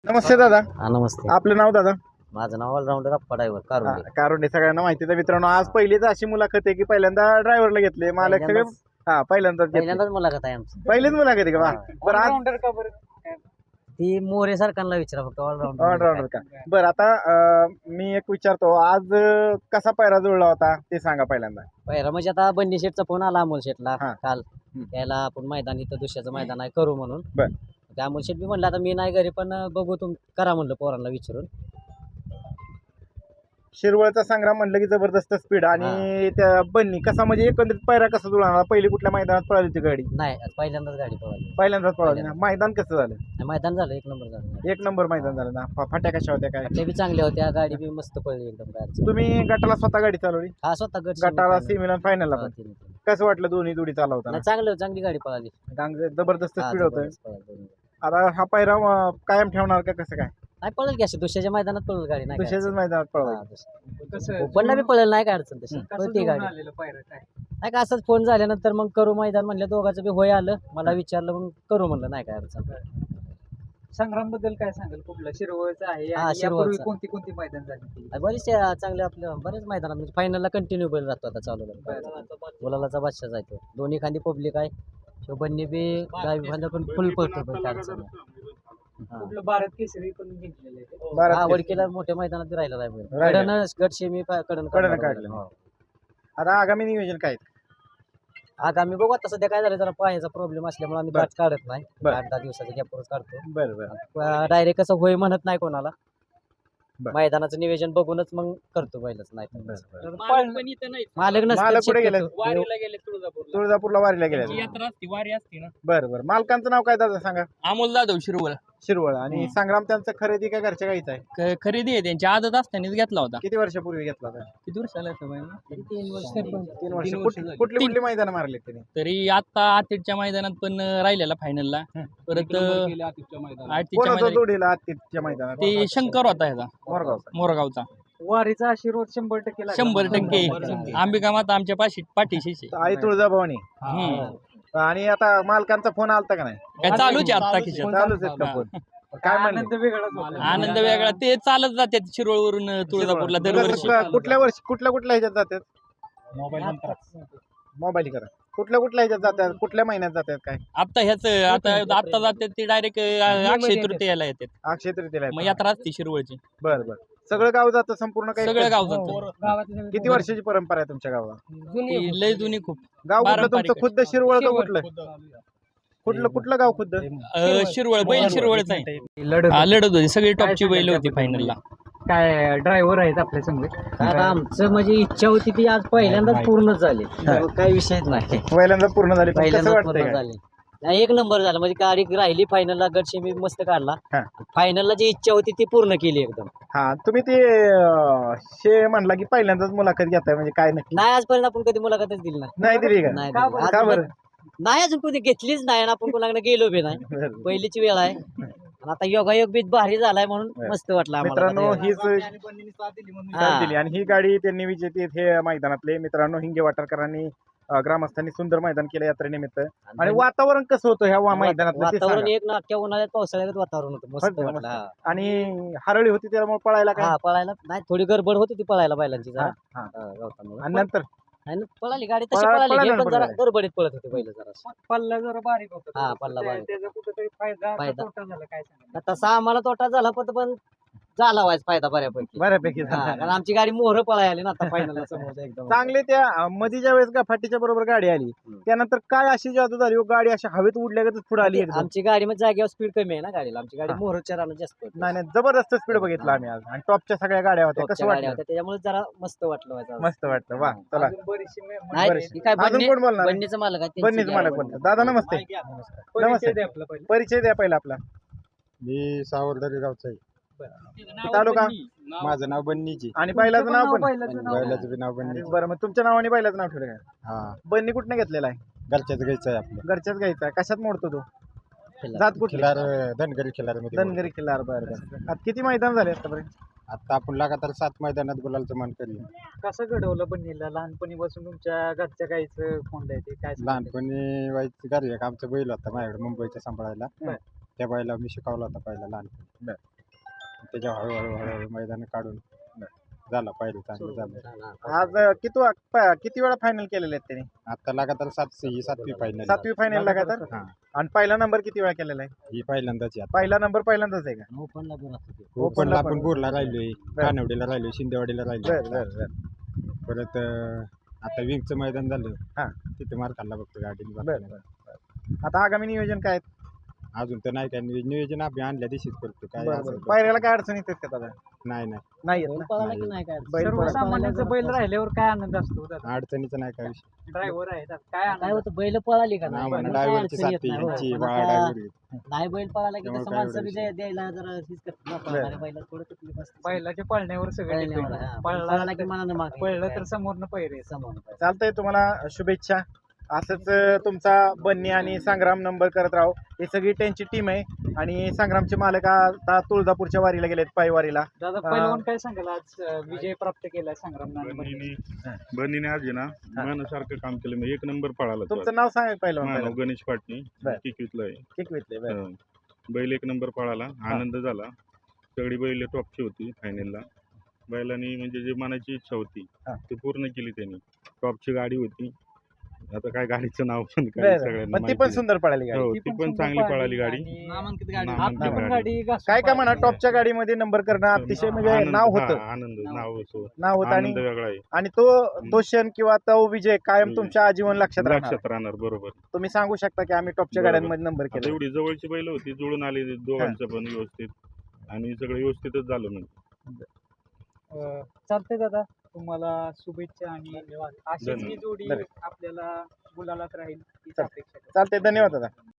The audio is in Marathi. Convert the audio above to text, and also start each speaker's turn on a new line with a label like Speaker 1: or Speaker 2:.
Speaker 1: नमस्ते दादा.
Speaker 2: हा नमस्ते.
Speaker 1: आपलं नाव दादा?
Speaker 2: माझं नाव ऑलराऊंडर अप्पा ड्रायव्हर कारुंडे.
Speaker 1: कारुंडे. सगळ्यांना माहिती आहे मित्रांनो. आज पहिलीच अशी मुलाखत आहे की पहिल्यांदा ड्रायव्हरला घेतले मालक सगळे. पहिल्यांदाच
Speaker 2: पहिल्यांदाच मुलाखत आहे आमची.
Speaker 1: पहिलीच मुलाखत आहे का? वा. बरं आज
Speaker 2: ती मोरे सरकारला विचारा फक्त ऑलराऊंडर.
Speaker 1: ऑलराऊंडर का? बरं आता मी एक विचारतो, आज कसा पायरा जुळला होता ते सांगा पहिल्यांदा.
Speaker 2: पहिला म्हणजे आता बंडी शेटचा फोन आला अमोल शेटला
Speaker 1: हा.
Speaker 2: काल. त्याला आपण मैदान इथं दुसऱ्याचं मैदान आहे करू म्हणून.
Speaker 1: बरं.
Speaker 2: त्या अमोल शेट बी म्हणलं आता मी नाही घरी पण बघू करा म्हणलं पोरांना विचारून.
Speaker 1: शिरवळचा संग्राम म्हणलं की जबरदस्त स्पीड आणि त्या बन्नी कसा म्हणजे एकंदरीत पायरा कसा जुळला? पहिली कुठल्या मैदानात पळाली होती गाडी?
Speaker 2: नाही पहिल्यांदाच गाडी पळाली.
Speaker 1: पहिल्यांदाच पळाली ना. मैदान कसं झालं?
Speaker 2: मैदान झालं एक नंबर झालं.
Speaker 1: एक नंबर मैदान झालं ना. फाट्या कशा होत्या काय?
Speaker 2: ते बी चांगल्या होत्या, गाडी बी मस्त पळली एकदम गाडी.
Speaker 1: तुम्ही गटाला स्वतः गाडी चालवली?
Speaker 2: हा स्वतः
Speaker 1: गटाला सेमीला फायनलला पण कसं वाटलं? दोन्ही जोडी चालवताना
Speaker 2: चांगली गाडी पळाली.
Speaker 1: जबरदस्त स्पीड होतं. आता हा पायरा कायम ठेवणार का कसं काय?
Speaker 2: नाही पळेल की अशी दुसऱ्याच्या मैदानात पळेल गाडी. नाही
Speaker 1: दुसऱ्याच मैदानात पळवायचं.
Speaker 2: ओपनला बी पळेल, नाही काय अडचण तशी पळते गाडी. नाही का असंच फोन झाल्यानंतर मग करू मैदान म्हणलं, दोघांचं बी होय आलं. मला विचारलं मग करू म्हणलं, नाही काय अडचण.
Speaker 3: संग्राम बद्दल काय सांगाल? कुठला शिरवळचा आहे
Speaker 2: हा,
Speaker 3: आणि
Speaker 2: शिरवळचा.
Speaker 3: यापूर्वी कोणती कोणती मैदान झाली?
Speaker 2: बरेच चांगले आपल्या बरेच मैदानात म्हणजे फायनलला कंटिन्यू बैल राहतो आता चालू. गुलालाचा बादशाह जायतो. दोन्ही खांदी पब्लिक आहे. शोभनने बी गावी खांदा पण फुल पळतो पण काय अडचण नाही.
Speaker 3: कुठलं भारत केसरी पण जिंकलेलं आहे.
Speaker 2: हा वडकीला मोठ्या मैदानात बी राहिला आहे. कडनं गट सेमी कडनं
Speaker 1: काढलं. आता आगामी नियोजन काय?
Speaker 2: आगामी बघू आता. सध्या काय झालं, जरा पायाचा प्रॉब्लेम असल्यामुळे आम्ही गाठ काढत नाही. 8-10 दिवसाचा गॅपवरच काढतो.
Speaker 1: बरं.
Speaker 2: डायरेक्ट कसं होय म्हणत नाही कोणाला.
Speaker 1: बरं.
Speaker 2: मैदानाचं नियोजन बघूनच मग करतो बैलच. नाही
Speaker 3: मालक पण इथं नाही.
Speaker 2: मालक
Speaker 1: मालक कुठे गेले?
Speaker 3: वारीला गेले तुळजापूरला.
Speaker 1: तुळजापूरला वारीला
Speaker 3: त्यांची
Speaker 1: गेले.
Speaker 3: यात्रा असती, वारी असती ना.
Speaker 1: बरं. मालकांचं नाव काय दादा सांगा?
Speaker 3: अमोल जाधव शिरवळ.
Speaker 1: शिरवळ. आणि संग्राम त्यांचं खरेदी काय घरच्या गाईचं आहे?
Speaker 3: खरेदी आहे त्यांची, आदत असतानाच घेतला होता.
Speaker 1: किती वर्षापूर्वी घेतला होता?
Speaker 3: किती वर्ष झालं असं बाई?
Speaker 1: 3 वर्ष.
Speaker 3: तीन वर्ष
Speaker 1: कुठली मैदान मारले त्यांनी?
Speaker 3: तरी आता आतिथच्या मैदानात पण राहिलेला फायनलला. परत आतिथच्या मैदानात
Speaker 1: जोडीला आत्तीच्या मैदानात
Speaker 3: ते शंकर होता ह्याचा मोरगावचा. वारीचा आशीर्वाद 100% 100%. अंबिका माता आमच्या पाठीशी
Speaker 1: आई तुळजाभवानी. आणि आता मालकांचा फोन आलता का नाही?
Speaker 3: काय चालूच आहे आता खिशात.
Speaker 1: चालूच आहेत का फोन? काय म्हणले?
Speaker 3: आनंद वेगळा. ते चालत जातात शिरोळवरून तुळजापूरला दरवर्षी.
Speaker 1: कुठल्या ह्याच्यात जातात? मोबाईल करा. कुठल्या ह्याच्यात जातात? कुठल्या महिन्यात जातात काय?
Speaker 3: आता आता जातात ते डायरेक्ट अक्षय तृतीयाला येतात.
Speaker 1: अक्षय तृतीयेला
Speaker 3: मग यात्रा असते शिरवळची.
Speaker 1: बरं. सगळं गाव जातं संपूर्ण काही?
Speaker 3: सगळं गाव जातं.
Speaker 1: किती वर्षाची परंपरा आहे तुमच्या गावाला?
Speaker 3: ती लय जुनी खूप.
Speaker 1: गाव कुठलं
Speaker 3: पारंपरिक
Speaker 1: तुमचं? खुद्द शिरवळ का कुठलं गाव खुद्द?
Speaker 3: शिरवळ. बैल शिरवळच आहे. लढत होती, सगळी टॉपची बैल होती फायनलला. काय ड्रायव्हर आहेत आपल्या समोर?
Speaker 2: आता आमचं म्हणजे इच्छा होती ती आज पहिल्यांदाच पूर्ण झाली. काही विषयच नाही.
Speaker 1: पहिल्यांदा पूर्ण झाली. पण कसं
Speaker 2: पहिल्यांदाच
Speaker 1: वाटतंय
Speaker 2: पूर्ण
Speaker 1: काय?
Speaker 2: झाली. नाही, एक नंबर झाला. म्हणजे गाडी राहिली फायनलला, गट सेमी मस्त काढला.
Speaker 1: हा.
Speaker 2: फायनलला जी इच्छा होती ती पूर्ण केली एकदम.
Speaker 1: हा, तुम्ही ते म्हणला की पहिल्यांदाच मुलाखत घेताय म्हणजे काय नक्की?
Speaker 2: नाही आजपर्यंत आपण कधी मुलाखतच दिली नाही.
Speaker 1: नाही दिली का?
Speaker 2: नाही
Speaker 1: का
Speaker 2: दिली.
Speaker 1: बरं?
Speaker 2: नाही अजून कधी घेतलीच नाही आणि आपण कोणाकडे गेलो बी नाही.
Speaker 1: बरं.
Speaker 2: पहिलीची वेळ आहे. आणि आता योगायोग बी भारी झालाय म्हणून मस्त वाटलं आम्हाला.
Speaker 1: मित्रांनो हीच
Speaker 2: हा.
Speaker 1: साथ दिली आणि ही गाडी त्यांनी विजेते हे मैदानातले. मित्रांनो हिंगे वाटरकरांनी ग्रामस्थांनी सुंदर मैदान केलं यात्रेनिमित्त. आणि वातावरण कसं होतं ह्या मैदानात?
Speaker 2: वातावरण एक ना अख्ख्या उन्हाळ्यात पावसाळ्यात वातावरण होतं. मस्त वाटलं. हा.
Speaker 1: आणि हरळी होती त्यामुळे पळायला काय?
Speaker 2: हा पळायला नाही, थोडी गडबड होती ती पळायला बैलांची जरा.
Speaker 1: हा.
Speaker 2: गवतामुळे.
Speaker 1: आणि नंतर
Speaker 2: आणि पळाली गाडी तशी
Speaker 1: पळाली
Speaker 2: पळाली
Speaker 1: ना,
Speaker 2: पण जरा
Speaker 1: पळाली.
Speaker 2: गडबडीत पळत होती बैल जरा.
Speaker 3: पल्ला जरा बारीक होता.
Speaker 2: हा, पल्ला बारीक.
Speaker 3: त्याचा कुठेतरी फायदा
Speaker 2: फायदा.
Speaker 3: तोटा झाला काय सांगा?
Speaker 2: तसा आम्हाला तोटा झाला पण झाला व्हायचा फायदा बऱ्यापैकी. हा, कारण आमची गाडी मोहर पळाय आली ना आता फायनल समोर एकदम.
Speaker 1: चांगले त्या मधीच्या वेळेस का फाटीच्या बरोबर गाडी आली त्यानंतर काय अशी जादू झाली हो? गाडी अशी हवेत उडल्यागतच पुढे आली एकदम.
Speaker 2: आमची गाडी मध्ये जागेवर स्पीड कमी आहे ना गाडीला. आमची गाडी
Speaker 1: हा.
Speaker 2: मोहरच्या रानात जास्त होती.
Speaker 1: नाही जबरदस्त स्पीड बघितला आम्ही आज. आणि टॉपच्या सगळ्या गाड्या होत्या.
Speaker 2: टॉपच्या
Speaker 1: कसं
Speaker 2: गाड्या
Speaker 1: वाटलं?
Speaker 2: होत्या, त्याच्यामुळे जरा मस्त वाटलं व्हायचं.
Speaker 1: मस्त वाटलं. वा चला.
Speaker 3: अजून बरीचशी
Speaker 2: नाही
Speaker 1: बरेचसे.
Speaker 2: ती काय
Speaker 1: अजून कोण बोलणार?
Speaker 2: बन्नीचं मालक आहे, त्यांची
Speaker 1: बन्नीच
Speaker 2: गाडी
Speaker 1: मालक
Speaker 2: आहे.
Speaker 1: बोलतो. दादा नमस्ते.
Speaker 3: परिचय द्या आपला पहिला.
Speaker 1: परिचय द्या पहिला आपला.
Speaker 4: मी सावरदरी गावचा आहे.
Speaker 1: तालुका?
Speaker 4: माझं नाव बन्नीची.
Speaker 1: आणि बैलाचं नाव पण?
Speaker 4: बैलाचं बी नाव बन्नीची.
Speaker 1: बरं, मग तुमच्या नावाने बैलाचं नाव ठेवलं काय?
Speaker 4: हा,
Speaker 1: बन्नी कुठनं घेतलेला आहे?
Speaker 4: घरच्याच घ्यायचं आहे आपलं.
Speaker 1: घरच्याच घ्यायचा आहे. कशात मोडतो तो?
Speaker 2: खिल्लार.
Speaker 1: जात कुठली?
Speaker 4: खिलार धनगरी खिलार मध्ये.
Speaker 1: धनगरी खिल्लार. बरं. आता किती मैदान झाले आतापर्यंत?
Speaker 4: आता आपण लगातार 7 मैदानात गुलालचं मान केलं.
Speaker 3: कसं घडवलं बन्नीला? लहानपणीपासून तुमच्या घरच्या गाईचं कोंड आहे ते काय सांगता?
Speaker 4: लहानपणी व्हायचं घरी एक आमचा बैल होता माझ्याकडे मुंबईच्या सांभाळायला.
Speaker 3: बर.
Speaker 4: त्या बैला मी शिकवला होता पहिला लहानपणी. त्याच्या हळूहळू मैदान काढून झाला पाहिजे चांगलं झालं.
Speaker 1: आज किती वेळा फायनल केलेले आहेत त्यांनी?
Speaker 4: आता लगातार 7वी फायनल.
Speaker 1: 7वी फायनल लगातार.
Speaker 4: हा.
Speaker 1: आणि पहिला नंबर किती वेळा केलेला आहे?
Speaker 4: ही पहिल्यांदाच आहे.
Speaker 1: पहिला नंबर पहिल्यांदाच आहे का?
Speaker 2: ओपनला बी राहतो ते.
Speaker 4: ओपनला आपण
Speaker 1: पण.
Speaker 4: बोरला राहिलोय, कानवडीला राहिलोय, शिंदेवाडीला
Speaker 1: बर
Speaker 4: राहिलोय.
Speaker 1: बर बर
Speaker 4: परत आता विंगचं मैदान झालं
Speaker 1: हा.
Speaker 4: तिथे मार खाल्ला बघतो गाडीने.
Speaker 1: बर बर. आता आगामी नियोजन काय आहे?
Speaker 4: अजून तर नाही काय नियोजन आम्ही आणल्या दिवशीच करतो काय
Speaker 1: बरं,
Speaker 4: असेल
Speaker 1: बरं.
Speaker 4: ते.
Speaker 1: पायऱ्याला काय अडचण येते का दादा?
Speaker 4: नाही
Speaker 1: नाही येत
Speaker 2: बैल
Speaker 1: ना?
Speaker 2: पळाला की नाही काय
Speaker 1: बैल
Speaker 3: सर्वसामान्यांचा बैल राहिल्यावर काय आनंद असतो
Speaker 4: अडचणीचं नाही काय विषय.
Speaker 3: ड्रायव्हर आहे काय
Speaker 2: काय होतं बैल पळाली का नाही
Speaker 4: आम्हाला
Speaker 2: मग काय
Speaker 4: ड्रायव्हरची
Speaker 2: अडचण येत
Speaker 4: साथी
Speaker 2: नाही, हो.
Speaker 4: यांची
Speaker 2: पण
Speaker 4: बाळा
Speaker 2: आता
Speaker 4: ड्रायव्हर
Speaker 2: नाही बैल पळाला की
Speaker 4: त्यामुळे
Speaker 2: तसं
Speaker 4: काय
Speaker 2: माणसं
Speaker 4: एवढं
Speaker 2: बी द्यायला जरा हीच करतात ना, पळणाऱ्या बैलात थोडं तकलीफ असते.
Speaker 3: बैलाच्या पळण्यावर सगळं
Speaker 2: पळण्यावर,
Speaker 3: depend.
Speaker 2: हा.
Speaker 3: पळला
Speaker 2: की मनानं मागे
Speaker 3: पळलं तर समोरनं पैरे
Speaker 2: समोर
Speaker 1: चालतंय, तुम्हाला शुभेच्छा. असंच तुमचा बन्नी आणि संग्राम नंबर करत राहू. ही सगळी त्यांची टीम आहे आणि संग्रामचे मालक आता तुळजापूरच्या वारीला गेलेत, पायवारीला.
Speaker 3: दादा पहिलवान काय सांगाल आज विजय प्राप्त केलाय संग्राम
Speaker 5: बनीने आज आहे ना मनासारखं काम केलं. मी 1 नंबर पळाला तो.
Speaker 1: तुमचं नाव सांगा पहिलं.
Speaker 5: माझं नाव गणेश पाटणी,
Speaker 1: बरं.
Speaker 5: किकवीतला आहे.
Speaker 1: किकवीतले, बरं.
Speaker 5: हं. बैल 1 नंबर पळाला, आनंद झाला. सगळी बैल टॉपची होती फायनलला. बैलांनी म्हणजे जी मनाची इच्छा होती
Speaker 1: हा.
Speaker 5: ती पूर्ण केली त्यांनी. टॉपची गाडी होती. आता काय गाडीचं नाव पण काय
Speaker 1: बरं.
Speaker 5: सगळ्यांना
Speaker 1: पण ती पण
Speaker 5: माहिती
Speaker 1: सुंदर पळाली गाडी.
Speaker 5: हो, ती पण चांगली पळाली गाडी.
Speaker 3: नामांकित
Speaker 5: नामांकित
Speaker 3: पण
Speaker 5: गाडी.
Speaker 3: गाडी
Speaker 1: काय काय म्हणा, टॉपच्या गाडीमध्ये नंबर करणं अतिशय म्हणजे
Speaker 5: आनंद,
Speaker 1: नाव
Speaker 5: हा,
Speaker 1: होतं.
Speaker 5: आनंद नाव होतं.
Speaker 1: नाव होतं आणि
Speaker 5: आनंद वेगळा आहे.
Speaker 1: आणि तो क्षण किंवा तो विजय कायम तुमच्या आजीवन लक्षात राहणार.
Speaker 5: लक्षात राहणार. बरोबर.
Speaker 1: तुम्ही सांगू शकता की आम्ही टॉपच्या
Speaker 5: बरोबर.
Speaker 1: गाड्यांमध्ये नंबर
Speaker 5: आता
Speaker 1: केला.
Speaker 5: एवढी जवळची बैल होती, जुळून आली दोघांचं पण व्यवस्थित आणि सगळं व्यवस्थितच झालं म्हणजे.
Speaker 3: चालतंय दादा, तुम्हाला शुभेच्छा आणि अशीच ही जोडी
Speaker 1: धन्यवाद.
Speaker 3: आपल्याला गुलालात राहील हीच
Speaker 1: चालतंय.
Speaker 3: अपेक्षा करतो.
Speaker 1: चालतंय, धन्यवाद दादा.